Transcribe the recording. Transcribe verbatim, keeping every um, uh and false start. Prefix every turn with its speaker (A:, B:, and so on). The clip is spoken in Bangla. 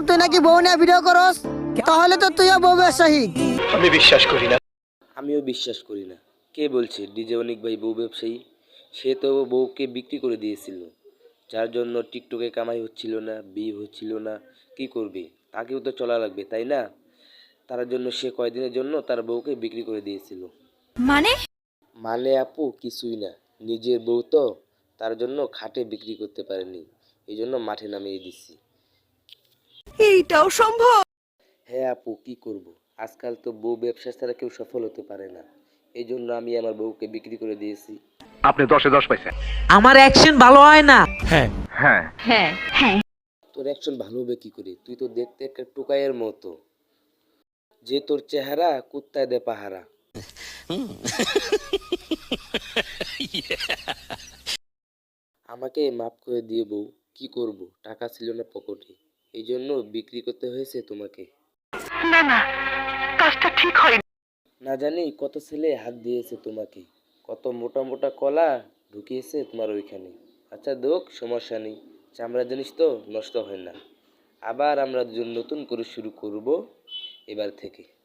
A: তুই নাকি বউ নিয়ে ভিডিও করস, তাহলে তো তুইও বউ ব্যবসায়ী।
B: আমি বিশ্বাস করি না।
C: আমিও বিশ্বাস করি না। কে বলছে ডিজে অনিক ভাই বউ ব্যবসায়ী? সে তো বউকে বিক্রি করে দিয়েছিল, যার জন্য টিকটকে কামাই হচ্ছিল না, বিয়ে হচ্ছিল না। কি করবে? তাকেও তো চলা লাগবে, তাই না? তার জন্য সে কয়দিনের জন্য তার বউকে বিক্রি করে দিয়েছিল।
D: মানে?
C: মানে আপু কিছুই না, নিজের বউ তো, তার জন্য খাটে বিক্রি করতে পারেনি, এই জন্য মাঠে নামিয়ে দিচ্ছি।
D: এইটাও সম্ভব?
C: হ্যাঁ আপু, কি করব, আজকাল তো বউ ব্যবসা ছাড়া কেউ সফল হতে পারে না, এই জন্য আমি আমার বউকে বিক্রি করে দিয়েছি।
B: আপনি দশে দশ পাইছেন।
E: আমার অ্যাকশন ভালো হয় না।
B: হ্যাঁ হ্যাঁ
D: হ্যাঁ হ্যাঁ।
C: তোর অ্যাকশন ভালো হবে কি করে? তুই তো দেখতে একটা টোকাইয়ের মতো, যে তোর চেহারা কুত্তায় দে পাহারা। আমাকে মাফ করে দিয়ে বউ, কি করব, টাকা ছিল না পকেটে, এই জন্য বিক্রি করতে হয়েছে তোমাকে।
D: না না, কাজটা ঠিক হয়।
C: না জানি কত ছেলে হাত দিয়েছে তোমাকে, কত মোটা মোটা কলা ঢুকিয়েছে তোমার ওইখানে। আচ্ছা দোক, সমস্যা নেই, চামড়া জিনিস তো নষ্ট হয় না। আবার আমরা দুজন নতুন করে শুরু করব এবার থেকে।